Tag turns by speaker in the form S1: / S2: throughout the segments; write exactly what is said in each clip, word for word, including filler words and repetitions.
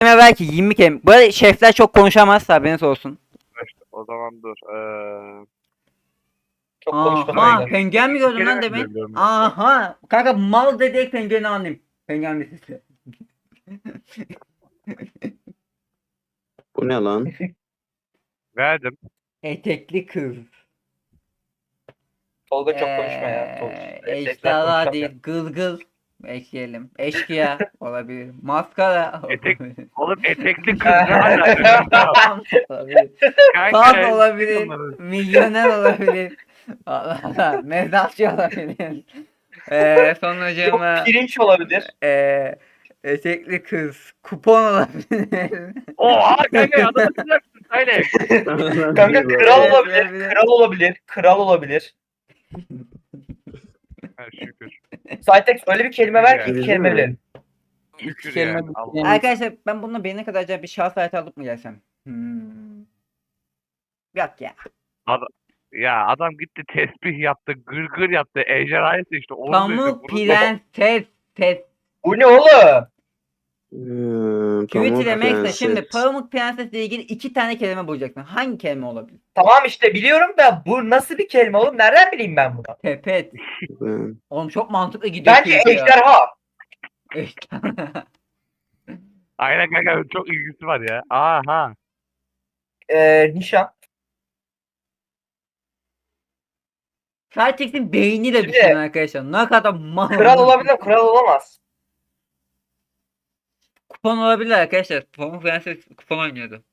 S1: kelime belki yirmi kelime. Böyle şefler çok konuşamaz, haberiniz olsun.
S2: İşte, o zaman dur. Ee,
S3: Çok konuşma
S1: Aha,
S3: sayılar.
S1: penguen mi gördün
S2: kelime
S1: lan demin?
S2: biliyorum ben.
S1: Aha, kanka mal dedik pengueni anlayayım. Penguen mi sesi?
S4: Bu ne lan?
S2: Verdim.
S1: Etekli kız.
S3: Tolga çok konuşma ya. Tolga.
S1: Ee,
S3: Evet,
S1: Ejderha
S3: konuşacağım
S1: değil, gılgıl. Ekleyelim. Eşkıya olabilir. Maskara
S2: Etek-
S1: olabilir.
S2: Oğlum etekli kız ne alaka?
S1: Tam olabilir.
S2: Kanka,
S1: Fan olabilir.
S2: onları.
S1: Milyoner olabilir. Allah Allah. Mezatçı olabilir. Eee sonucuma
S3: Yok pirinç olabilir.
S1: eee etekli kız. Kupon olabilir.
S2: Oha kanka adam atacaksın. Hayır.
S3: Kanka kral
S1: Evet,
S3: olabilir.
S1: olabilir.
S3: Kral olabilir. Kral olabilir.
S2: Ha, şükür.
S3: Saytex öyle bir kelime ver ki
S2: Yani.
S3: iki kelime bilelim.
S2: Şükür
S5: kelime
S2: yani.
S5: bir
S2: Allah.
S5: kelime.
S1: Arkadaşlar ben bununla beğene kadar acaba bir şahs hayatı alıp mı gelsem? Hmm. Yok ya.
S2: Ya adam gitti tesbih yaptı, gırgır yaptı, ejderhayı seçti. Onu
S1: Pamuk
S2: seçti, bunu
S1: prenses ses.
S3: Bu ne oğlum?
S4: Hmm,
S1: Tweet
S4: Pamuk
S1: ile Max'le
S4: Prenses.
S1: şimdi Pamuk Prenses'le ilgili iki tane kelime bulacaksın. Hangi kelime olabilir?
S3: Tamam işte biliyorum da bu nasıl bir kelime oğlum? Nereden bileyim ben bunu?
S1: Tepet.
S4: Hmm.
S1: Oğlum çok mantıklı gidiyor.
S3: Bence
S1: tweet ya.
S3: ejderha.
S1: Ejderha.
S2: Aynen kanka çok ilgisi var ya. Aha.
S3: Ee, nişan.
S1: Celtics'in beyniyle
S3: Şimdi-
S1: düşünün arkadaşlar. Ne kadar mal.
S3: Kral olabilir, kral olamaz.
S1: Kupon olabilir arkadaşlar. Pamuk Prenses kupon oynuyordu.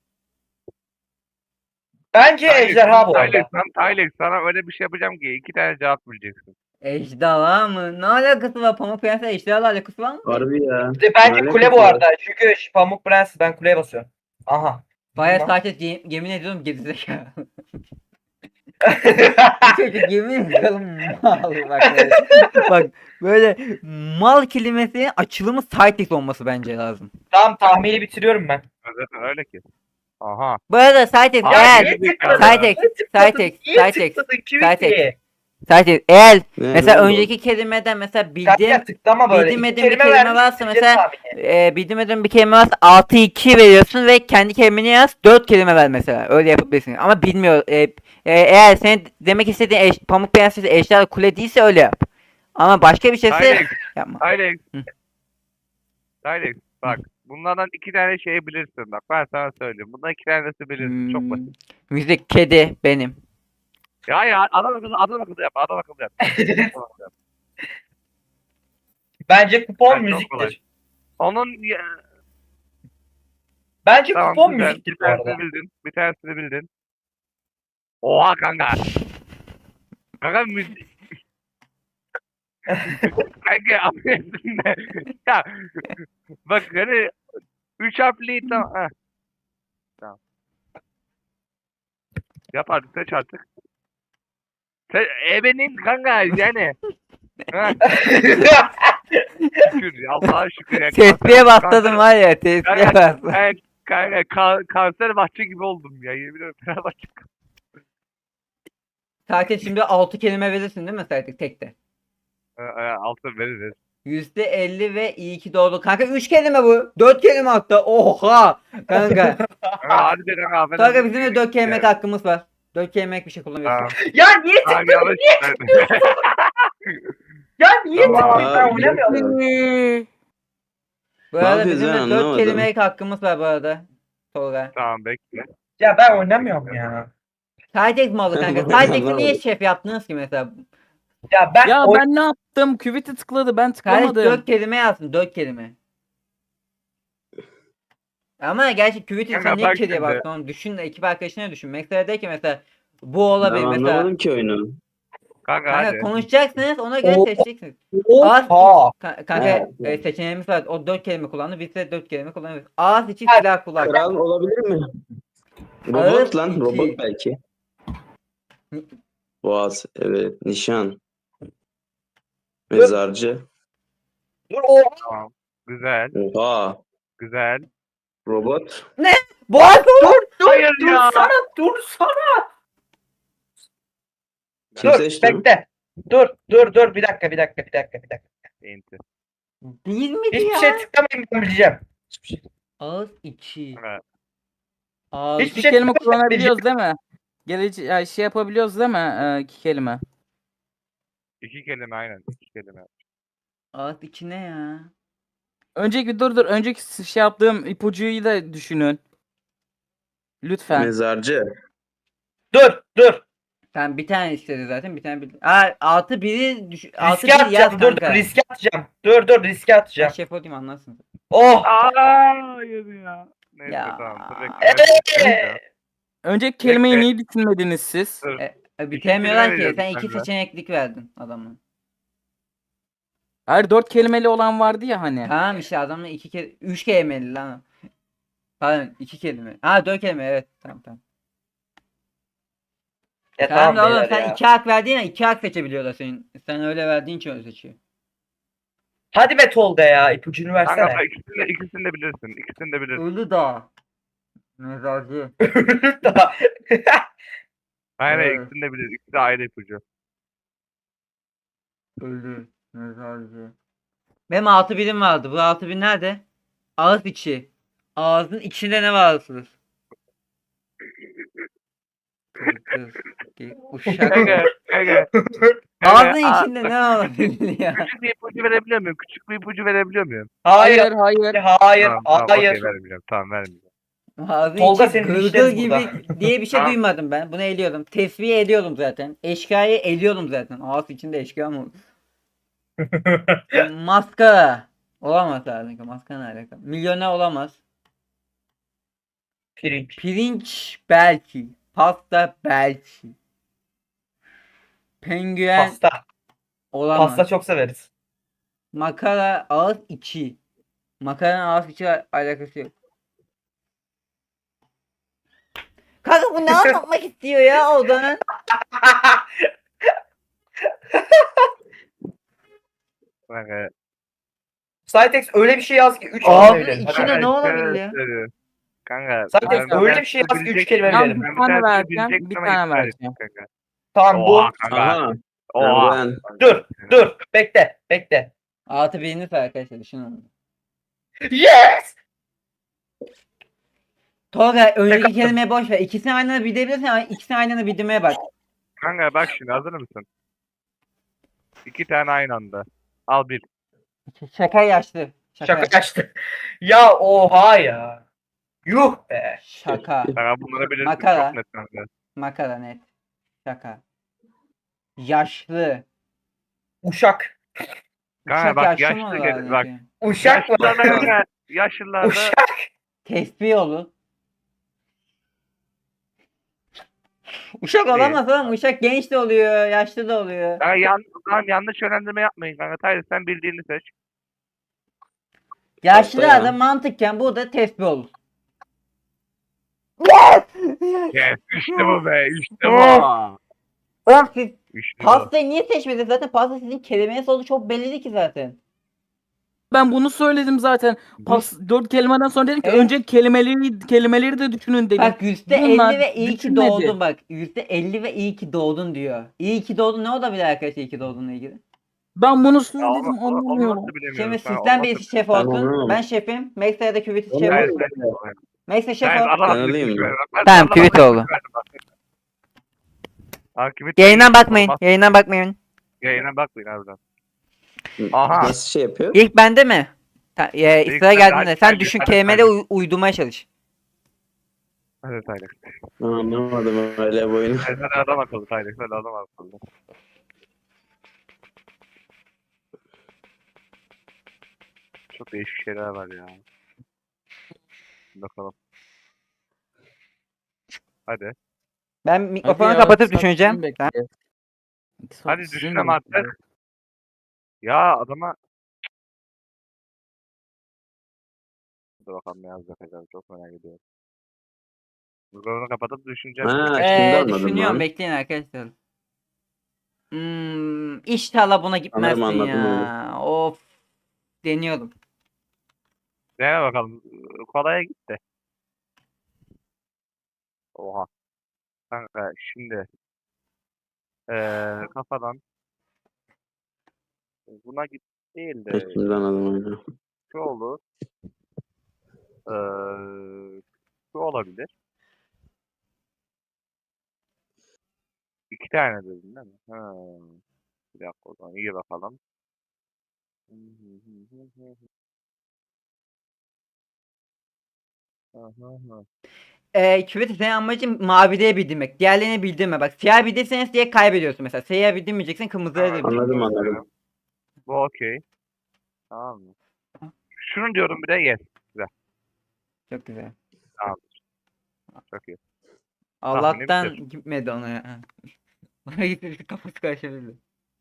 S3: Bence ejderha bu
S2: Tylex,
S3: arada.
S2: sana, Tylex, sana öyle bir şey yapacağım ki iki tane cevap bileceksin.
S1: Ejderha mı? Ne alakası var? Pamuk Prenses ejderhalarla alakası var mı?
S4: Harbi ya.
S3: İşte bence
S4: Ne
S3: kule bu
S4: alakası
S3: arada. Çünkü şu Pamuk Prens ben kuleye basıyorum. Aha.
S1: Baya
S3: Tamam.
S1: Celtics ye- yemin ediyorum gerizekalı. Bu çocuk yemin ediyorum mal bak böyle. Bak böyle mal kelimesinin açılımı Celtics olması bence lazım.
S3: Tamam tahmini bitiriyorum ben.
S2: Zaten öyle ki. Aha.
S1: Bu arada Celtics
S2: Abi,
S1: eğer
S2: niye
S3: tıkladın?
S1: Cytex,
S3: Niye tıkladın?
S1: Cytex,
S3: Niye
S1: Cytex,
S3: tıkladın?
S1: Cytex.
S3: Tweet'i.
S1: Celtics eğer
S4: Ne,
S1: mesela
S4: ne oldu?
S1: önceki kelimeden mesela bildiğim
S3: Kanka tıklama böyle.
S1: bildim
S3: İki
S1: edim bir
S3: kelime
S1: kelime
S3: vermiş,
S1: varsa
S3: bitireceğiz
S1: mesela
S3: tahmini.
S1: e, bildim edim bir kelime varsa altı iki veriyorsun ve kendi kelimeni yaz dört kelime ver mesela. Öyle yapabilirsin. Ama bilmiyor. E, e, eğer senin demek istediğin eş, Pamuk Prenses Ejderha Kule değilse öyle yap. Ama başka bir şeyse
S2: Tylex,
S1: yapma.
S2: Tylex.
S1: Hı.
S2: Tylex bak. Bunlardan iki tane şey bilirsin bak. Ben sana söyleyeyim. Bundan iki tanesi bilirsin. Çok
S1: Hmm,
S2: basit.
S1: müzik kedi benim.
S2: Ya ya adam akıllı adam akıllı yap. Adam akıllı yap. Adam akıllı yap.
S3: Bence kupon
S2: Ben çok kolay.
S3: müziktir.
S2: Onun ya,
S3: Bence
S2: tamam
S3: kupon
S2: güzel.
S3: müziktir
S2: Bir
S3: bu arada.
S2: tanesini bildin. Bir tanesini bildin. Oha kanka. Kanka müzik. Kanka affedersin de. Ya bak hani üç harfli tamam. Heh. Tamam. Yap artık seç artık. Sen ebenin kanka yani. Ha, şükür ya, Allah'a şükür ya.
S1: Tespihe
S2: Kanser-
S1: bastırdım var ya tespihe
S2: Kanka,
S1: bastırdım.
S2: kanka, kanka, ka- kanser bahçe gibi oldum ya. Yemin ederim Fenerbahçe.
S1: Sakin şimdi altı kelime verirsin değil mi Sertik tekte?
S2: Ee, e, altın veririz.
S1: yüzde elli ve iyi ki doğdu. Kanka üç kelime bu. dört kelime hatta. Oha. Kanka.
S2: Kanka hadi de kanka. affedersin.
S1: Kanka bizim de dört kelimelik
S2: Yani.
S1: hakkımız var. dört kelimelik bir şey kullanıyorsun.
S2: Tamam.
S3: ya niye
S2: Tamam,
S3: tıkladın?
S2: yanlış.
S3: Ya niye
S2: Tamam.
S3: tıkladın? Ben
S4: Aa,
S3: oynamıyorum.
S1: Bu
S4: Ne
S1: arada
S4: yapıyoruz
S1: bizim
S4: ya,
S1: de dört
S4: anlamadım.
S1: kelimelik hakkımız var bu arada. Tolga.
S2: Tamam bekle.
S3: Ya ben oynamıyorum ya.
S1: Cytex malı kanka.
S4: Ben
S1: Cytex'i niye
S4: anlamadım.
S1: şef yaptınız ki mesela?
S3: Ya ben
S5: Ya
S3: oy-
S5: ben ne yaptım? Küveti tıkladı ben
S1: Kardeş
S5: tıklamadım.
S1: dört kelime yazsın. Dört kelime. Ama gerçi küveti
S2: Kanka
S1: sen niye
S2: bak
S1: kediye
S2: şimdi.
S1: baktın oğlum? Düşün de ekip arkadaşına düşün. Mesela de ki mesela bu
S4: Ben
S1: olabilir mesela.
S4: anlamadım ki oyunu.
S2: Kanka
S1: Kanka
S2: hadi.
S1: konuşacaksınız ona göre
S3: Oo.
S1: seçeceksiniz. Ağız
S3: Oha.
S1: Ka- kanka
S4: Evet.
S1: e, seçeneğimiz var. O dört kelime kullandı. Biz de dört kelime kullanıyoruz. Ağız içi
S3: Evet.
S1: silah kulak.
S4: Kral olabilir mi?
S1: Ağır
S4: Robot lan.
S1: iki.
S4: Robot belki. Boğaz. Evet. Nişan. Mezarcı.
S3: Dur oha.
S2: Tamam. Güzel.
S4: Oha.
S2: Güzel.
S4: Robot.
S1: Boğaz
S3: Dur dur
S2: Hayır
S3: dur
S2: ya.
S3: sana dur sana.
S4: Kim
S3: Dur
S4: seçti?
S3: bekle. Dur dur dur bir dakika bir dakika bir dakika bir dakika.
S2: Enti.
S1: değil miydi
S3: Hiçbir
S1: ya?
S3: şey tıklamayın ben bileceğim. Hiçbir şey.
S1: Ağız içi.
S2: Evet.
S1: Ağız
S3: Hiçbir
S5: İki
S3: şey
S5: kelime
S3: söylemeyeceğim.
S5: kullanabiliyoruz değil mi? Gelece ya şey yapabiliyoruz değil mi? Ee, iki kelime.
S2: İki kelime aynen. İki kelime.
S1: ağız içi ne ya?
S5: Önceki dur dur. Önceki şey yaptığım ipucuyu da düşünün. Lütfen.
S4: Mezarcı.
S3: Dur dur.
S1: Sen bir tane istedi zaten bir tane bil. Aa altı biri düş altı
S3: Riske
S1: bir yaz
S3: atacağım. Dur dur
S1: kanka.
S3: riske atacağım. Dur dur riske
S1: Ben
S3: atacağım.
S1: şef olayım anlarsın.
S3: Oh.
S2: Aa, hayır ya. Neyse
S1: Ya.
S2: tamam. Dur bekle. ben
S3: Eee.
S5: Önceki kelimeyi
S2: Bekle.
S5: niye düşünmediniz siz?
S2: Dur.
S1: E, e, bitiremiyorlar
S2: kelime
S1: ki. Sen
S2: veriyordum
S1: iki
S2: ben de.
S1: seçeneklik verdin adamı.
S5: Hayır dört kelimeli olan vardı ya hani.
S1: Tamam işte adamla iki kere üç kelimeli lan. Pardon iki kelime. Ha dört kelime evet tamam tamam.
S3: Ya
S1: Tamam da
S3: tamam
S1: oğlum
S3: beyler
S1: sen
S3: ya.
S1: iki hak verdiğin ya iki hak seçebiliyorlar senin. Sen öyle verdiğin için öyle seçiyor.
S3: Hadi be Tolga ya ipucunu
S2: Kanka
S3: versene.
S2: bak, ikisini de, ikisini de bilirsin. İkisini de bilirsin.
S1: Uludağ. Mezarcı.
S3: Daha.
S2: Aynen
S1: Evet.
S2: ikisini de bilir. İkisi de ayrı ipucu.
S1: Ölü. Mezarcı. Benim altı birim vardı. Bu altı bin nerede? Ağız içi. Ağzın içinde ne varsınız? Kırkız. Uşak.
S2: Kanka kanka.
S1: Ağzın
S2: Aa,
S1: içinde ne olabilir ya?
S2: Küçük bir ipucu verebiliyor muyum? Küçük bir ipucu verebiliyor muyum?
S3: Hayır.
S5: Hayır hayır.
S3: Hayır.
S2: Tamam, tamam,
S3: Hayır.
S2: okey, vermeyeceğim. Tamam vermeyeceğim.
S1: Ağzın
S3: Tolga
S1: içi
S3: senin
S1: gırgır
S3: dişleri
S1: gibi
S3: burada.
S1: diye bir şey
S2: Tamam.
S1: duymadım ben. Bunu eliyordum. Tesbih ediyordum zaten. Eşkıyayı eliyordum zaten. Ağız içinde eşkıya mı olur? Maskara. Olamaz lazım. Maskara ne alaka? Milyoner olamaz.
S3: Pirinç.
S1: Pirinç belki. Pasta belki. Penguen
S3: Pasta.
S1: olamaz.
S3: Pasta çok severiz.
S1: Makara ağız içi. Makaranın ağız içi al- alakası yok. Kanka bu ne anlatmak istiyor ya odanın?
S2: Kanka.
S3: Cytex öyle bir şey yaz ki üç
S1: Ağzın
S3: kelime verelim.
S1: içine
S3: Hadi.
S1: ne olabilir ya?
S2: Kanka. Kanka.
S3: Cytex
S2: ben-
S3: öyle
S2: ben
S3: bir şey yaz ki üç
S2: bilecek-
S3: kelime
S5: Tamam,
S3: verelim.
S5: bir
S2: Ben
S5: tane
S2: tanesini
S5: vereceğim.
S2: bilecektim
S5: Bir
S2: ama
S5: tane
S2: iptal
S5: vereceğim.
S2: ettim kanka.
S3: Tamam bu.
S2: Oha kanka.
S4: Aha.
S2: Oha.
S4: Ben.
S3: Dur. Dur. Bekle. Bekle.
S1: Altı birini arkadaşlar düşünün onu.
S3: Yes!
S1: Tolga önceki
S3: Tek-
S1: kelimeye boş ver. İkisini aynı anda bildirebilirsin ama ikisini aynı anda bildirmeye bak.
S2: Kanka bak şimdi hazır mısın? İki tane aynı anda. Al bir.
S1: Şaka yaşlı. Şaka.
S3: Şaka açtı. Ya oha ya. Yuh be.
S1: Şaka.
S2: Kanka bunları bilirsin
S1: Makara.
S2: çok net kanka.
S1: Makara net. Şaka. Yaşlı.
S3: Uşak.
S2: Kanka
S1: Uşak
S2: bak
S1: yaşlı
S2: yaşlı
S1: mı
S2: gel-
S1: olur
S2: bak.
S1: ki?
S3: Uşak mı?
S2: Yaşlılarda kanka. Yaşlılarda.
S3: Uşak.
S1: Tesbih olur. Uşak olamaz oğlum. Uşak genç de oluyor. Yaşlı da oluyor.
S2: Kanka yan, lan yanlış yönlendirme yapmayın kanka. Hayır sen bildiğini seç.
S1: Yaşlı
S4: Hatta ya.
S1: adam mantıkken burada tesbih olur.
S2: Yes işte bu be işte bu.
S1: Oğlum siz
S2: İşte bu.
S1: pastayı niye seçmediniz? Zaten pasta sizin kelimeye sonu çok belliydi ki zaten.
S5: Ben bunu söyledim zaten. Pas dört kelimeden sonra dedim ki
S1: Evet.
S5: önce kelimeleri kelimeleri de düşünün dedim.
S1: Bak yüzde
S5: Bunlar
S1: elli ve iyi ki
S5: düşünmedi.
S1: doğdun bak. yüzde elli ve iyi ki doğdun diyor. İyi ki doğdun ne olabilir arkadaşlar iyi ki doğdunla ilgili?
S5: Ben bunu
S2: Ya
S5: söyledim
S2: onu, onu, onu
S5: anlamıyorum.
S2: nasıl bilemiyoruz
S1: Şimdi
S2: kanka,
S1: sizden
S2: onu
S1: birisi
S2: nasıl-
S1: şef
S4: Ben
S1: olsun.
S4: anlamadım.
S1: Ben şefim. Max ya da Küvit
S4: Onu
S1: şef
S2: Hayır,
S1: olsun.
S2: ben-
S1: Max'e şef
S2: Hayır,
S1: ol.
S2: adam-
S4: Ben alayım mı?
S2: Ben-
S1: Tamam,
S2: ben-
S1: tweet
S2: ben-
S1: oldu.
S2: Aa, tweet
S1: Yayından
S2: olmaz.
S1: bakmayın. Yayından bakmayın.
S2: Yayına bakmayın harbiden. Aha.
S4: Nasıl şey yapıyor?
S1: İlk bende mi? Ta, e,
S2: İlk
S1: sıra
S2: bende,
S1: geldiğinde
S2: hadi,
S1: sen
S2: hadi,
S1: düşün
S2: hadi,
S1: kelimeleri
S2: hadi.
S1: uy- uydurmaya çalış.
S2: Hadi Tyler.
S4: Anlamadım öyle bu oyunu.
S2: Hadi hadi adam akıllı Tyler. Hadi adam akıllı. Çok değişik şeyler var ya. Bakalım. Hadi.
S1: Ben mikrofonu
S5: Hadi ya,
S1: kapatıp
S5: saat
S1: düşüneceğim.
S5: sizin
S1: Ben-
S5: bekliyor. Saat
S2: Hadi
S5: sizin
S2: düşünelim
S5: bekliyor.
S2: artık. Ya adama... Dur bakalım ne yazacak acaba. Çok merak ediyorum. Mikrofonu kapatıp düşüneceğim.
S4: Ha, şimdi
S1: Ee,
S4: anladım
S1: düşünüyorum
S4: lan.
S1: bekleyin arkadaşlar. Hmm, inşallah buna gitmezsin
S4: Anladım, anladım
S1: ya. Of. Deniyorum.
S2: Dene bakalım. Kolaya gitti. Oha. Kanka şimdi eee kafadan buna git değil de
S4: Şimdi anladım oyunu.
S2: şu olur. Ee, Bu olabilir. İki tane dedin değil mi? Ha. Bir dakika o zaman iyi bakalım. Aha.
S1: Ee, küveti senin amacın mavide bildirmek. Diğerlerini bildirme. Bak siyah bildirseniz diye kaybediyorsun mesela. Siyah bildirmeyeceksin, kırmızıya da
S2: Evet.
S1: bildir.
S4: Anladım anladım.
S2: Bu okey. Tamam mı? Şunu diyorum bir de yes. Güzel.
S1: Çok güzel.
S2: Tamam. Çok iyi.
S1: Allah'tan
S2: bitir.
S1: gitmedi ona ya. Bana gitmesi kafası karışabilir.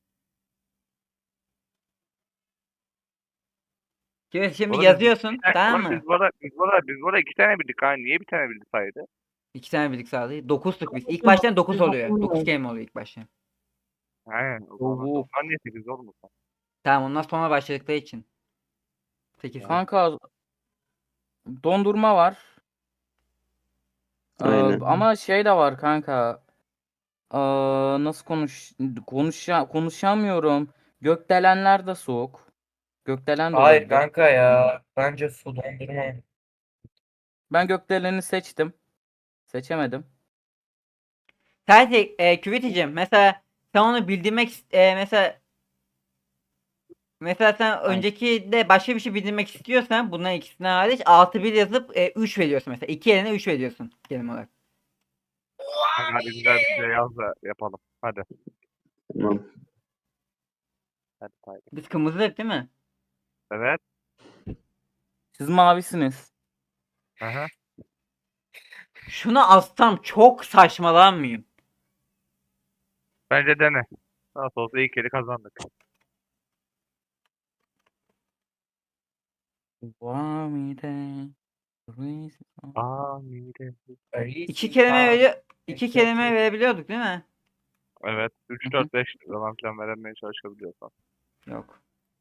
S1: Küvet şimdi
S2: Oğlum biz-
S1: yazıyorsun,
S2: Ha,
S1: tamam
S2: oğlum
S1: mı?
S2: biz burada biz burada biz burada iki tane bildik ha. Niye bir tane bildik saydı?
S1: İki tane birlik sağlayı. Dokuzluk biz. İlk baştan dokuz oluyor. Dokuz kelime oluyor ilk başta.
S2: He. O zaman
S5: Oo.
S2: doksan niye sekiz oğlum?
S1: Tamam, ondan sonra başladıkları için. Sekiz.
S5: Kanka dondurma var. Ee,
S4: Aynen.
S5: ama şey de var kanka. Ee, nasıl konuş konuşa konuşamıyorum. Gökdelenler de soğuk. Gökdelen de
S3: Hayır
S5: olabilir.
S3: kanka ya. Bence su dondurma.
S5: Ben gökdeleni seçtim. Seçemedim.
S1: Sadece e, Küveticiğim mesela sen onu bildirmek ist- e, mesela mesela sen önceki de başka bir şey bildirmek istiyorsan bunların ikisinden hariç altı bir yazıp e, üç veriyorsun mesela. iki yerine üç veriyorsun kelime olarak.
S2: Hadi, hadi güzel bir şey yaz da yapalım. Hadi.
S4: Tamam.
S2: Hadi saydı.
S1: Biz kırmızılık değil mi?
S2: Evet.
S5: Siz mavisiniz.
S2: Aha.
S1: Şunu alsam çok saçmalanmıyım.
S2: Bence dene. Nasıl olsa ilk kere kazandık.
S5: Vamide.
S2: Aa, mide.
S1: İki kelime veriyor. İki kelime verebiliyorduk değil mi?
S2: Evet. üç, dört, beş zaman falan veremeye çalışabiliyorsan.
S1: Yok.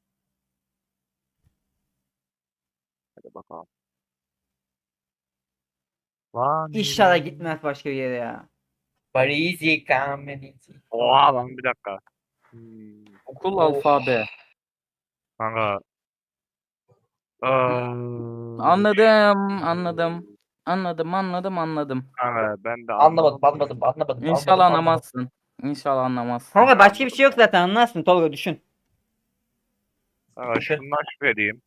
S2: Hadi bakalım. Lan
S1: İnşallah gitmez başka bir yere ya.
S3: Parizi Kamenizi.
S2: Oha lan bir dakika. Hmm.
S5: Okul
S3: Oh.
S5: alfabe.
S2: Kanka. Aa,
S5: Anladım, anladım. Anladım, anladım, anladım.
S2: Kanka ben de
S3: Anlamadım, anlamadım, anlamadım.
S5: İnşallah
S3: anlamadım, anlamadım.
S5: anlamazsın. İnşallah anlamazsın.
S1: Kanka başka bir şey yok zaten, anlarsın Tolga, düşün.
S2: Kanka
S3: Düşün.
S2: şundan şüpheliyim.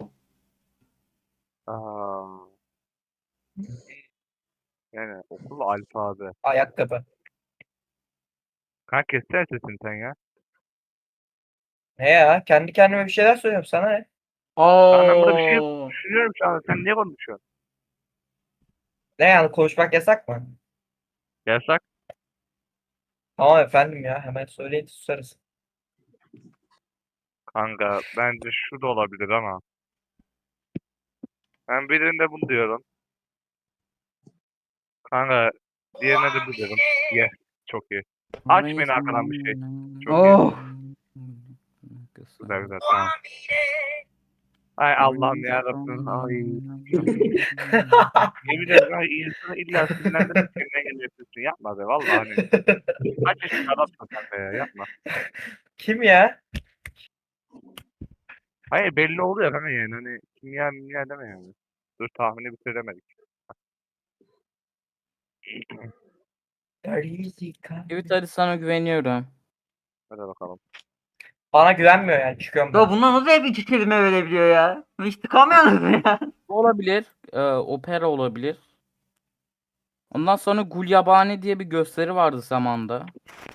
S2: Aa, yani okul alfabe.
S3: Ayakkabı.
S2: Kanka kessene sesini sen ya.
S3: Ne ya? Kendi kendime bir şeyler söylüyorum sana ne?
S2: Kanka ben burada bir şey
S1: Oo.
S2: düşünüyorum şu an. Sen niye konuşuyorsun?
S3: Ne yani konuşmak yasak mı?
S2: Yasak.
S3: Tamam efendim ya hemen söyleyin susarız.
S2: Kanka bence şu da olabilir ama. Ben birinde bunu diyorum. Kanka diğerine de bu diyorum. Yes. Çok iyi. Açmayın arkadan bir şey. Çok iyi.
S1: Oh.
S2: Güzel güzel tamam. Ay Allah'ım yarabbim. Ay. Yemin ederim ay insanı illa sinirlendirip kendine geliyorsun. Yapma be vallahi hani. Kaç yaşında adamsın kanka ya yapma.
S3: Kim ya?
S2: Hayır belli oluyor kanka yani hani kimya mimya deme yani. Dur tahmini bitiremedik.
S3: Parizi
S5: Evet hadi sana güveniyorum.
S2: Hadi bakalım.
S3: Bana güvenmiyor yani çıkıyorum
S1: Ya
S3: ben.
S1: bunlar nasıl hep iki kelime verebiliyor ya? Hiç tıkamıyorsunuz ya.
S5: Olabilir. e, opera olabilir. Ondan sonra Gulyabani diye bir gösteri vardı zamanda.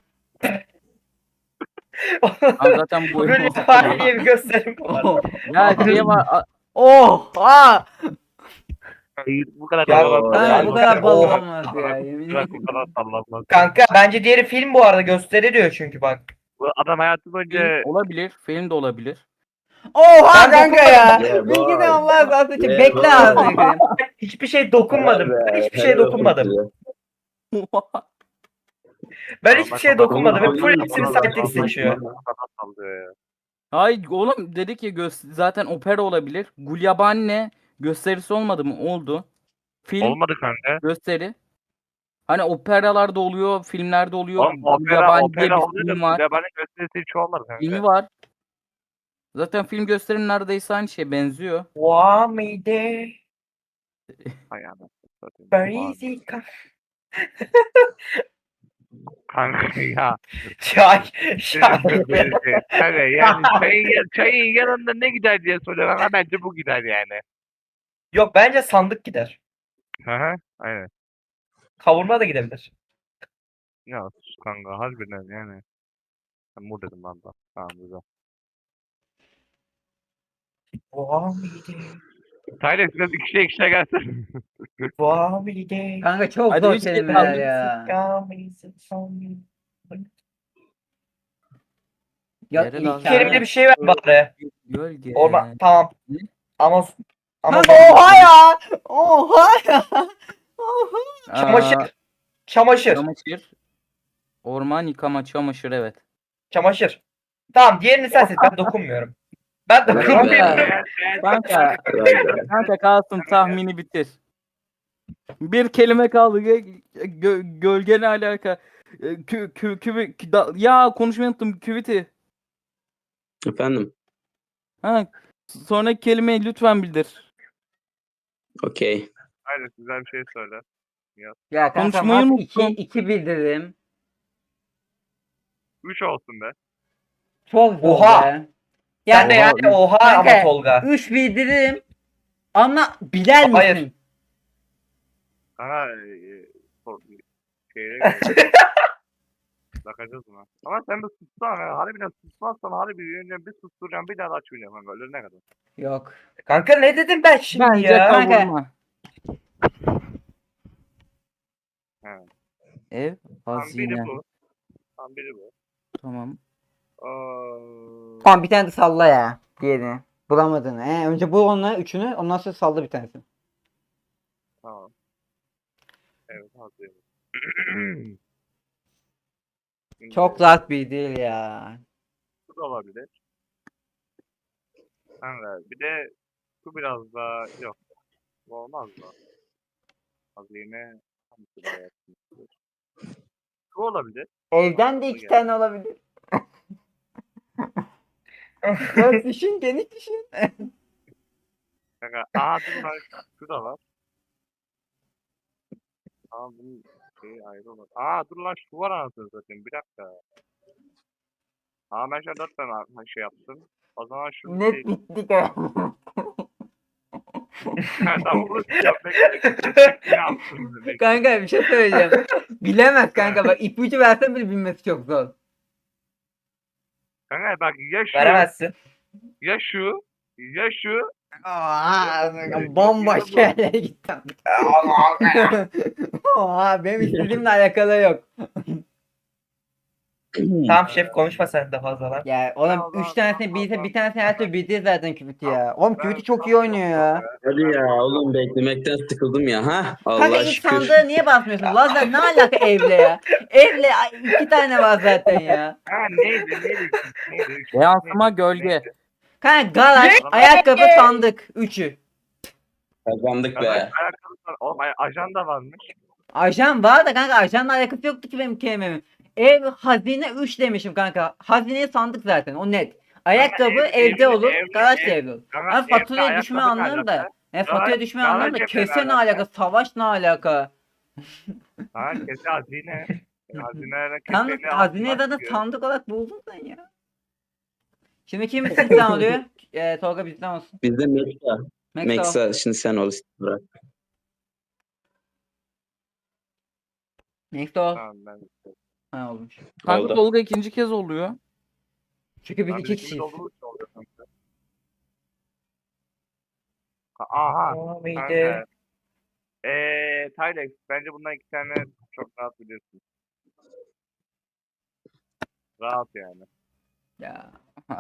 S5: Ben zaten bu
S3: Böyle tarih diye bir gösterim var.
S1: Oh.
S5: Ya şey var. a-
S1: Oh. Aa.
S2: Hayır bu kadar
S3: Ya,
S2: sallanmaz.
S1: Kanka
S3: ben-
S1: bu kadar bal
S3: Oh.
S1: olmaz ya, yemin
S2: Bu kadar-
S1: ederim.
S2: bu kadar sallanmaz.
S3: Kanka bence diğeri film bu arada gösteri diyor çünkü bak.
S2: Bu adam hayatı
S5: Film
S2: boyunca
S5: olabilir. Film de olabilir.
S1: Oha
S3: Ben
S1: kanka ya.
S4: dokunmadım.
S1: Bilgini
S4: Yeah,
S1: Allah razı olsun.
S4: Yeah,
S1: Bekle
S4: boy.
S1: ağzını kırayım.
S3: Hiçbir şey dokunmadım.
S4: Helal
S3: Ben
S4: be,
S3: hiçbir şey
S4: helal
S3: dokunmadım.
S4: olsun.
S3: Ben
S2: Tamam,
S3: hiçbir
S2: bak,
S3: şeye
S2: kapat.
S3: dokunmadım. Hep
S4: Tamam,
S3: full
S4: tamam,
S3: hepsini
S4: tamam,
S3: sidekick
S4: tamam,
S3: seçiyor.
S4: tamam.
S2: Kafa sallıyor ya.
S5: Hayır oğlum dedi ki gö- zaten opera olabilir. Gulyabani gösterisi olmadı mı? Oldu. Film
S2: Olmadı kanka.
S5: gösteri. Hani operalarda oluyor, filmlerde oluyor.
S2: Oğlum opera
S5: Gulyabani diye
S2: opera
S5: bir
S2: oluyor da
S5: film var.
S2: Gulyabani gösterisi hiç olmadı kanka.
S5: Filmi var. Zaten film gösterim neredeyse aynı şeye benziyor.
S3: Vamide.
S2: Hay anasını satayım.
S3: Crazy ka-
S2: Kanka ya.
S3: Çay. Çay.
S2: Kanka yani çayın, çayın yanında ne gider diye soruyorum ama bence bu gider yani.
S3: Yok bence sandık gider.
S2: Hı hı. Aynen.
S3: Kavurma da gidebilir.
S2: Ya sus kanka harbiden yani. Ben bu dedim lan da. Tamam güzel.
S3: Boğa mıydı?
S2: Tyler biraz ikişe ikişe gelsin.
S3: Boğa mıydı?
S1: Kanka çok
S5: Hadi
S1: zor
S5: üç
S1: kelimeler
S5: kelime.
S1: ya.
S3: Gamisi son-
S1: Ya
S5: Yere
S1: ilk
S5: lazım.
S1: kelime-
S3: Kerimde bir şey ver bari.
S5: Gölge.
S3: Orman tamam.
S5: Ne?
S3: Ama ama
S1: Kanka oha ya. Oha ya. Oha.
S5: Aa,
S3: çamaşır. Çamaşır.
S5: Çamaşır. Orman yıkama çamaşır evet.
S3: Çamaşır. Tamam diğerini sen seç. Ben dokunmuyorum. Ben dokunmuyorum.
S5: Kanka, kanka kalsın tahmini bitir. Bir kelime kaldı. Gö- gö- gölge ne alaka? Ee, Kü, kü, küvi- kü- da- ya konuşmayı unuttum. Küviti.
S4: Efendim.
S5: Ha, sonraki kelimeyi lütfen bildir.
S4: Okey.
S2: Hayır güzel bir şey söyle.
S1: Ya kanka
S5: Konuşmayı
S1: mat iki,
S5: unuttum.
S1: iki bildirdim.
S2: Üç olsun be.
S1: Çok zor
S3: Oha.
S1: be.
S3: Sen de
S1: Ya
S3: yani oha
S1: Kanka,
S3: ama Tolga.
S1: üç bildirdim. Ama biler misin?
S3: Hayır.
S2: Sana e, sor- şeye göre. Bakacağız buna. Ama sen bir sussan ya. Harbiden susmazsan harbiden bir susturacağım bir daha da açmayacağım kanka. Ölene kadar.
S1: Yok.
S3: Kanka ne dedim ben şimdi
S5: Bence
S3: ya?
S1: Kanka.
S5: kavurma.
S2: He.
S5: Ev
S2: Tam biri
S5: hazine.
S2: bu. Tam biri bu.
S5: Tamam.
S2: Aa,
S1: Tamam bir tane de salla ya. Diğerini. Bulamadın. He, önce bu onunla üçünü ondan sonra salla bir tanesini.
S2: tamam. Evet hazırım. Şimdi
S1: Çok rahat bir değil ya.
S2: Bu da olabilir. Kanka bir de şu biraz daha yok. Bu olmaz mı? Hazine hangisi daha yakın? Şu olabilir.
S1: Evden de iki tane olabilir. Biraz düşün, geniş düşün.
S2: Kanka aa dur lan şu da var. Aa bunun şeyi ayrı olur. Aa dur lan şu var anasını satayım bir dakika. Aa ben şu an dört tane ha- şey yaptım. O zaman şu
S1: Net
S2: şey.
S1: bittik ha.
S2: Tamam bunu yapmak ne yaptın demek.
S1: Kanka bir şey söyleyeceğim. Bilemez kanka bak ipucu versen bile bilmesi çok zor.
S2: Kanka bak ya şu
S3: Veremezsin.
S2: ya şu ya şu
S1: Aa, bambaşka yerlere gittim. Oha benim istediğimle alakalı yok.
S3: Tamam şef konuşma sen de fazla lan.
S1: Ya oğlum
S2: Tamam,
S1: üç tanesini
S2: tamam,
S1: bilse
S2: tamam.
S1: bir tanesini her türlü bildi zaten Küviti ya. Oğlum
S2: Ben-
S1: Küviti çok iyi oynuyor ya.
S4: Hadi ya oğlum beklemekten sıkıldım ya. Ha?
S1: Kanka
S4: Allah
S1: ilk
S4: şükür.
S1: sandığı niye basmıyorsun? Lazer ne alaka evle ya? Evle ay, iki tane var zaten ya.
S2: Ha neydi neydi neydi?
S5: Yansıma
S2: Neydi?
S5: gölge.
S2: Neydi?
S1: Kanka garaj,
S2: Ne?
S1: ayakkabı, sandık. Üçü.
S4: Kazandık
S2: Kanka,
S4: be.
S2: ayakkabı var. Oğlum ay- ajanda varmış.
S1: Ajan var da kanka ajanla alakası yoktu ki benim kelimemin. Ev, hazine üç demişim kanka. Hazineye sandık zaten o net. Ayakkabı
S2: ev-
S1: evde
S2: ev-
S1: olur,
S2: ev-
S1: garaj da
S2: ev-
S1: evde olur.
S2: Kanka,
S1: Ama
S2: evde
S1: faturaya düşme
S2: ayakkabı ne
S1: anlarım da.
S2: alaka?
S1: E, faturaya
S2: Garaj-
S1: düşme
S2: garaj
S1: anlarım da
S2: evde
S1: kese
S2: ne
S1: ne
S2: alaka?
S1: alaka, savaş ne alaka.
S2: Ha kese hazine. Hazineyle
S1: Tam
S2: keseyle
S1: hazineyi
S2: altından
S1: zaten
S2: çıkıyor.
S1: sandık olarak buldun sen ya. Şimdi kim sizden oluyor? E, Tolga bizden olsun.
S4: Bizde Meksa.
S1: Meksa.
S4: Meksa. Şimdi sen ol. Bırak.
S1: Meksa ol.
S2: Tamam ben.
S1: Ha olmuş.
S5: Kanka
S4: Oldu.
S5: Tolga ikinci kez oluyor.
S1: Çünkü biz
S2: Abi
S1: iki
S2: ikimiz
S1: kişiyiz.
S2: olduğumuz için oluyor kanka. Ha- Aha.
S3: O mıydı?
S2: Kanka. Eee Tylex bence bundan iki tane çok rahat biliyorsun. Rahat yani.
S1: Ya.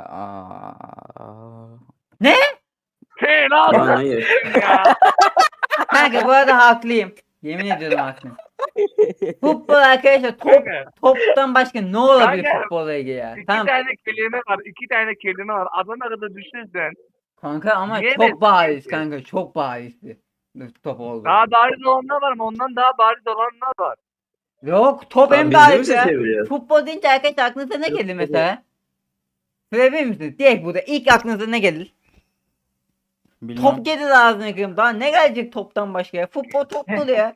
S5: Aa.
S2: Şey
S4: Lan
S2: lan
S4: hayır.
S2: ya.
S1: Kanka bu arada haklıyım. Yemin ediyorum haklıyım. Futbol arkadaşlar top
S2: Kanka,
S1: toptan başka ne olabilir
S2: Kanka,
S1: futbolla ilgili ya?
S2: İki
S1: Tamam
S2: tane kelime var. iki tane kelime var. Adana kadar düşünsen.
S1: kanka ama
S2: Yiyemezsin
S1: çok bariz
S2: ki.
S1: kanka çok barizdi. Top oldu.
S2: Daha bariz olanlar var ama ondan daha bariz olanlar var.
S1: Yok top
S4: Lan
S1: en
S4: biz de mi
S1: bariz ya.
S4: seçebiliyoruz?
S1: Futbol deyince arkadaşlar aklınıza ne gelir mesela? Söyleyebilir misiniz? Direkt burada ilk aklınıza ne gelir?
S5: Bilmem.
S1: Top geldi ağzına kırım. Daha ne gelecek toptan başka ya? Futbol top dolu ya.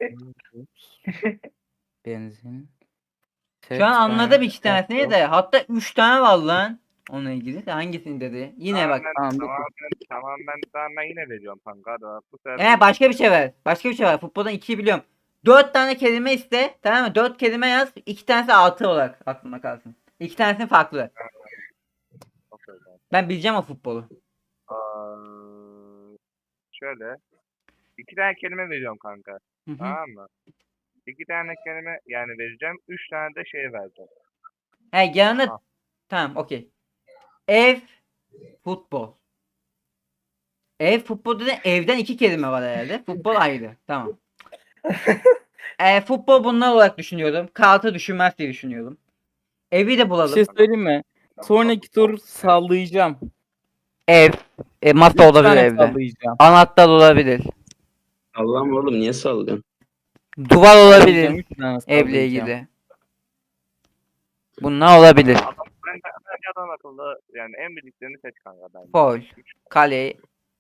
S5: Benzin.
S1: Şu an anladım iki tanesini de. Hatta üç tane var lan. Onunla ilgili de hangisini dedi? Yine bak.
S2: Tamamen,
S5: Tamam, dur.
S2: tamamen, tamamen, tamamen yine veriyorum kanka. Hadi bak, bu sefer
S1: Ee başka bir şey ver. Başka bir şey var. Futboldan ikiyi biliyorum. Dört tane kelime iste. Tamam mı? Dört kelime yaz. İki tanesi altı olarak aklımda kalsın. İki tanesi farklı.
S2: çok öyle.
S1: Ben bileceğim o futbolu.
S2: Aa, şöyle. İki tane kelime veriyorum kanka.
S1: Hı hı.
S2: Tamam mı? İki tane kelime yani vereceğim. Üç tane de şey vereceğim.
S1: He yanında
S2: Ah.
S1: tamam okey. Ev futbol. Ev futbol dedi evden iki kelime var herhalde. Futbol ayrı. Tamam. e, futbol bunlar olarak düşünüyorum. Kağıtı düşünmez diye düşünüyorum. Evi de
S5: Bir
S1: bulalım.
S5: şey söyleyeyim mi? Sonraki tur sallayacağım.
S1: Ev. E, masa
S5: Üç
S1: olabilir
S5: tane
S1: evde.
S5: sallayacağım.
S1: Anahtar olabilir.
S4: Allah'ım oğlum niye sallıyorsun?
S1: Duvar
S5: Sallayacağım,
S1: olabilir.
S5: üç tane
S1: Evle
S5: sallayacağım.
S1: ilgili. Bunlar olabilir.
S2: Adam, ben, bence adam akıllı yani en bildiklerini seç kanka bence.
S1: Foul. Kale.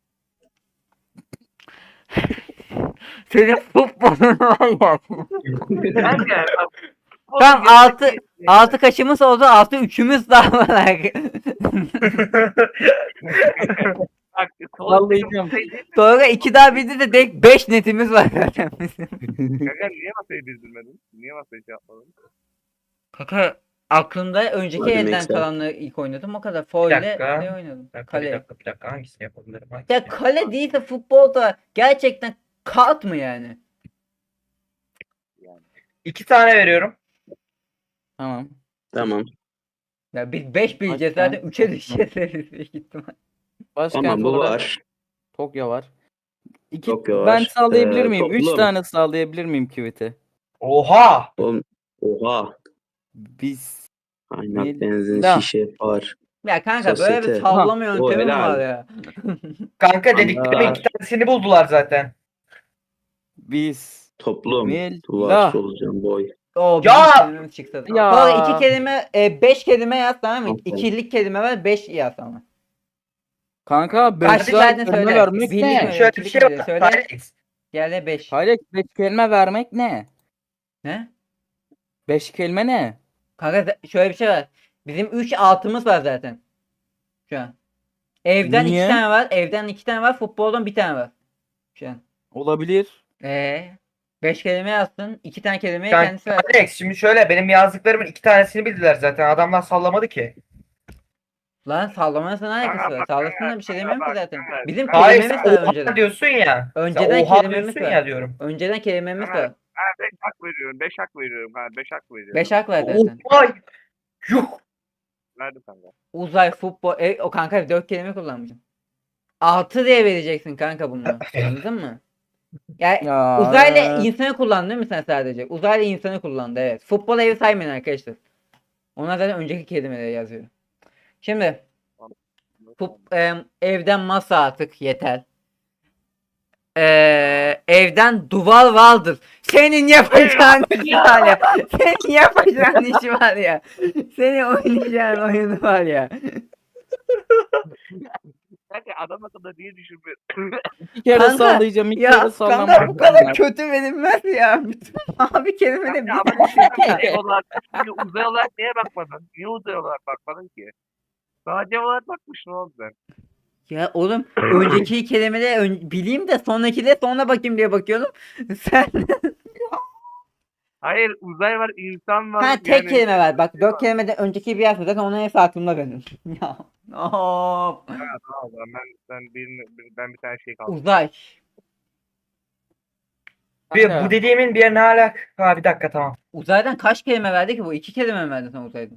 S1: Senin futbolun var ya.
S2: Kanka bak,
S1: Tam altı altı kaçımız oldu, altı üçümüz daha var.
S2: Bak,
S5: Sallayacağım.
S1: Sonra iki daha bildi de direkt beş netimiz var zaten bizim.
S2: Kanka niye masayı dizdirmedin? Niye masayı şey yapmadın?
S1: Kaka aklımda önceki
S4: Hadi
S1: elden
S4: Maxwell.
S1: kalanları ilk oynadım o kadar.
S3: Bir
S1: Foil'le
S3: dakika.
S1: ne oynadım?
S3: Bir dakika, bir
S1: Kale.
S3: dakika, bir dakika. Hangisini yapabilirim? Hangisini
S1: Ya
S3: yapabilirim?
S1: kale değilse futbolda gerçekten kağıt mı yani?
S3: İki tane veriyorum.
S5: Tamam.
S4: Tamam.
S1: Ya biz beş bileceğiz
S5: Başkan.
S1: zaten üçe düşeceğiz büyük ihtimal.
S5: Başkent
S4: Tamam bu
S5: olarak
S4: var.
S5: Tokyo var. İki,
S4: Tokyo
S5: ben
S4: var.
S5: sallayabilir
S4: Ee,
S5: miyim? Üç
S4: toplum.
S5: tane sallayabilir miyim küveti?
S3: Oha!
S4: Oğlum, oha.
S5: Biz
S4: Kaynak,
S5: Ne-
S4: benzin,
S5: Da.
S4: şişe, var.
S1: Ya kanka böyle bir
S4: Sosyete.
S1: sallama
S4: Ha, o
S1: yöntemi mi
S4: helal.
S1: var ya?
S3: Kanka dediklerimin
S5: Aa.
S3: iki tanesini buldular zaten.
S5: biz
S4: Toplum.
S5: Mil-
S4: Duvar,
S5: La.
S4: solucan, boy.
S1: O
S3: Ya!
S1: bizim kelimemiz çıktı.
S5: Ya!
S1: Sonra iki kelime, e, beş kelime yaz tamam mı?
S4: Tamam.
S1: İkilik kelime var, beş yaz ama.
S5: kanka beş
S1: Kaç
S5: tane
S1: verdin
S5: kelime
S1: söyle.
S5: vermek
S1: Birlik
S5: ne?
S1: mi?
S3: Şöyle bir
S1: ikilik
S3: şey
S1: mi?
S3: var.
S1: Söyle.
S3: Alex.
S1: Gel beş.
S5: Hayır beş kelime vermek ne?
S1: Ne?
S5: Beş kelime ne?
S1: Kanka z- şöyle bir şey var. Bizim üç altımız var zaten. Şu an. Evden
S5: Niye?
S1: iki tane var. Evden iki tane var. Futboldan bir tane var. Şu an.
S5: Olabilir.
S1: Eee? Beş kelime yazsın. iki tane kelimeye
S3: Kanka,
S1: kendisi ver.
S3: Alex şimdi şöyle benim yazdıklarımın iki tanesini bildiler zaten. Adamlar sallamadı ki.
S1: Lan sallamasına alakası
S2: Kanka
S1: var.
S2: bak,
S1: Sallasın da bir şey
S2: kanka
S1: demiyorum ki
S2: bak,
S1: zaten.
S2: kanka.
S1: Bizim
S3: Hayır sen
S1: kelimemiz var
S3: oha
S1: önceden.
S3: diyorsun ya.
S1: Önceden
S3: sen oha
S1: kelimemiz
S3: diyorsun
S1: var.
S3: ya diyorum.
S1: Önceden kelimemiz
S2: Evet.
S1: var.
S2: Ha, beş hak veriyorum. Beş hak veriyorum. Ha, beş hak veriyorum.
S1: Beş hak var zaten.
S3: Oha! Yuh!
S2: Verdim kanka.
S1: Uzay, futbol, e, o kanka dört kelime kullanmışım. Altı diye vereceksin kanka bunu. Anladın mı? Yani
S5: Ya.
S1: uzayla insanı kullandın değil mi sen sadece? Uzayla insanı kullandı evet. Futbol evi saymayın arkadaşlar. Onlar zaten önceki kelimeleri yazıyor. Şimdi fut- e, evden masa artık yeter. Ee, evden duvar vardır. Senin yapacağın iş var ya. Senin yapacağın iş var ya. Senin oynayacağın oyunu var ya.
S2: Kanka adam akıllı diye düşünmüyor.
S5: İki kere
S1: Kanka,
S5: sallayacağım. İki
S1: Ya
S5: kere
S1: kanka
S5: sallamam.
S1: bu kadar kötü verilmez ya. Bütün abi kelimede
S2: Kanka
S1: bir
S2: ama şey olarak, şimdi uzay olarak niye bakmadın? Niye uzay olarak bakmadın ki? Sadece olarak bakmışsın oğlum sen.
S1: Ya oğlum önceki kelimeleri ön- bileyim de sonraki de sonra bakayım diye bakıyordum. Sen
S2: Hayır uzay var, insan var.
S1: ha tek
S2: yani-
S1: kelime ver. Bak dört kelimeden önceki bir yer zaten onun hepsi aklımda benim. Ya. Of.
S2: Ha, tamam o zaman ben, ben, bir, ben bir tane şey kaldım.
S1: Uzay.
S3: Bir,
S5: Kanka,
S3: bu dediğimin bir yerine hala... Ha bir dakika tamam.
S1: Uzaydan kaç kelime verdi ki bu? İki kelime mi verdi sen uzaydan?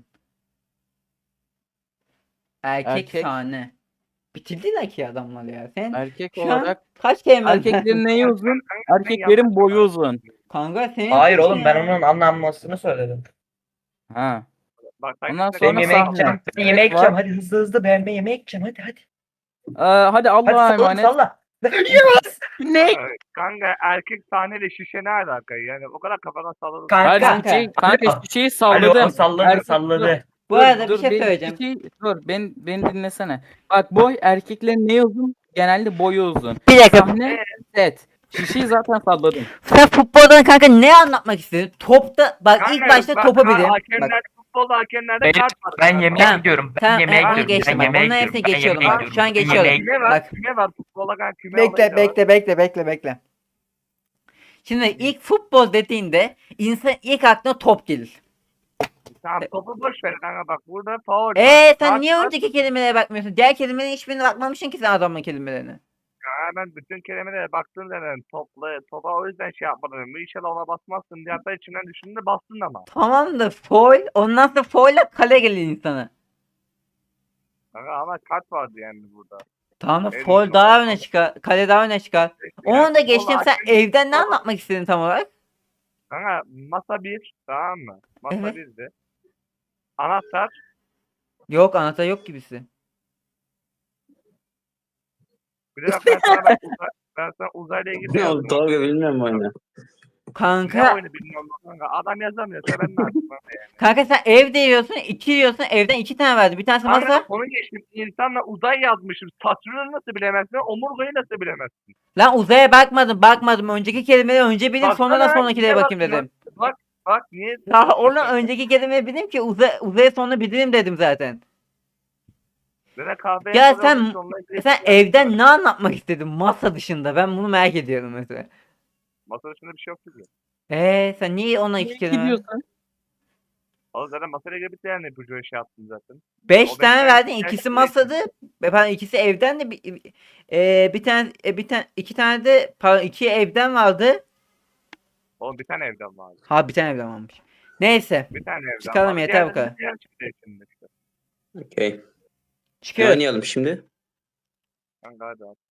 S1: Erkek,
S5: Erkek.
S1: sahne. Bitirdiler ki adamlar ya. Sen
S5: erkek
S1: şu an
S5: olarak
S1: kaç kelime
S5: erkeklerin neyi uzun?
S2: Kanka, sen
S5: Erkeklerin
S2: yanlış
S5: boyu
S2: anladın.
S5: uzun.
S1: Kanka senin
S3: Hayır
S1: suçun
S3: oğlum ben
S1: ya.
S3: onun anlanmasını söyledim.
S5: Ha.
S2: Bak, sen-
S5: Ondan
S2: sen-
S3: Ben
S5: Sonra
S3: yemeğe
S5: sahne.
S3: gideceğim. Ben yemeğe
S5: Var.
S3: gideceğim. Hadi hızlı hızlı ben ben yemeğe gideceğim. Hadi hadi.
S5: Ee, hadi
S3: Hadi
S5: Allah'a
S3: salla
S5: emanet.
S3: salla. Yes!
S5: Ne?
S2: Kanka erkek sahneyle şişe ne alaka yani o kadar kafadan salladım.
S3: Kanka.
S5: Hayır
S1: Kanka.
S5: şişeyi, kanka
S3: Alo.
S5: şişeyi
S3: Alo
S5: salladım.
S3: salladı
S5: Erkek-
S3: salladı.
S1: Bu
S5: Dur,
S1: arada
S5: dur,
S1: bir şey
S5: ben-
S1: söyleyeceğim.
S5: şişeyi- dur ben, beni dinlesene. Bak boy erkeklerin neyi uzun? genelde boyu uzun.
S1: Bir dakika.
S5: Sahne set. Şişeyi zaten salladım.
S1: Sen futboldan kanka ne anlatmak istedin? Topta bak ilk
S2: Kanka,
S1: başta
S2: bak,
S1: topa
S2: ha-
S1: bilin. Bak,
S2: Hakemler futbolda hakemlerde
S3: Ben,
S2: kart var.
S3: ben yemeğe
S1: Tamam,
S3: gidiyorum. Ben
S1: tamam,
S3: yemeğe
S1: ben onu
S3: gidiyorum.
S1: geçtim.
S3: Ben
S1: Bak,
S3: yemeğe
S1: onların
S3: gidiyorum.
S1: hepsini
S3: Ben
S1: geçiyorum
S3: yemeğe
S1: bak.
S3: gidiyorum.
S1: Şu an
S3: Ben
S1: geçiyorum.
S3: yemeğe
S2: Küme var,
S1: Bak.
S2: küme var. Futbola kanka küme olayı
S1: Bekle
S2: da var.
S1: bekle bekle bekle bekle. Şimdi ilk futbol dediğinde insan ilk aklına top gelir.
S2: Tamam topu boş ver kanka bak burada faul var.
S1: Eee sen
S2: Kart
S1: niye
S2: var.
S1: önceki kelimelere bakmıyorsun? Diğer kelimelerin hiçbirine bakmamışsın ki sen adamın kelimelerine.
S2: Ya ben bütün kelimelere baktım dedim. Topla, topa o yüzden şey yapmadım. İnşallah ona basmazsın diye hatta içimden düşündüm de bastın ama.
S1: Tamam da foul. Ondan sonra foul'la kale gelir insana.
S2: Kanka ama kart vardı yani burada.
S1: Tamam da
S2: Evet,
S1: foul
S2: işte
S1: daha
S2: o-
S1: öne çıkar. Kale daha öne çıkar.
S2: Yani
S1: Onu da
S2: futbolda
S1: geçtim. Sen
S2: hakem-
S1: evden ne anlatmak istedin tam olarak?
S2: Kanka masa bir tamam mı? Masa
S1: Evet.
S2: birdi. Anahtar.
S1: Yok anahtar yok gibisi.
S2: Bir de bak ben sana, bak, uzay, ben sana uzayla ilgili
S4: Ne
S2: yazdım.
S4: oldu Tolga bilmiyorum oyunu.
S2: Ne
S1: Kanka
S2: oyunu bilmiyorum kanka. Adam yazamıyorsa ben ne yapayım?
S1: kanka sen ev diyorsun, iki diyorsun. Evden iki tane verdi. Bir tanesi
S2: Kanka
S1: masa.
S2: konu geçtim. İnsanla uzay yazmışım. Satürn'ü nasıl bilemezsin? Omurgayı nasıl bilemezsin?
S1: Lan uzaya bakmadım, bakmadım. Önceki kelimeleri önce bileyim, sonra da
S2: Baksana,
S1: sonrakilere
S2: niye
S1: bakayım
S2: bakmıyorsun?
S1: dedim.
S2: Bak bak niye?
S1: Ya oğlum önceki kelimeyi bileyim ki uzay, uzaya sonra bileyim dedim zaten.
S2: Böyle kahveye
S1: Ya
S2: koyuyormuş,
S1: sen
S2: onunla ilgili
S1: sen
S2: şey
S1: evden
S2: yapıyorlar.
S1: ne anlatmak istedin masa dışında? Ben bunu merak ediyorum mesela.
S2: Masa dışında bir şey yok ki.
S1: Eee sen niye ona iki
S5: Niye
S1: kelime?
S5: gidiyorsun?
S2: Oğlum zaten masayla ilgili bir tane ipucu şey yaptın zaten.
S1: Beş
S2: O beş
S1: tane
S2: tane
S1: verdin.
S2: şey
S1: İkisi
S2: değil.
S1: masadı. e, Pardon ikisi evden de bir, e, bir tane e, bir tane iki tane de pardon iki evden vardı.
S2: Oğlum bir tane evden vardı.
S1: Ha bir tane evden varmış. Neyse.
S2: Bir tane evden
S1: Çıkalım,
S2: vardı.
S1: yeter bu
S2: Diğerleri
S1: kadar.
S2: diğer çıktı içinde işte.
S4: Okey. Ne
S1: Çıkıyoruz.
S4: oynayalım şimdi?
S2: Kanka hadi abi.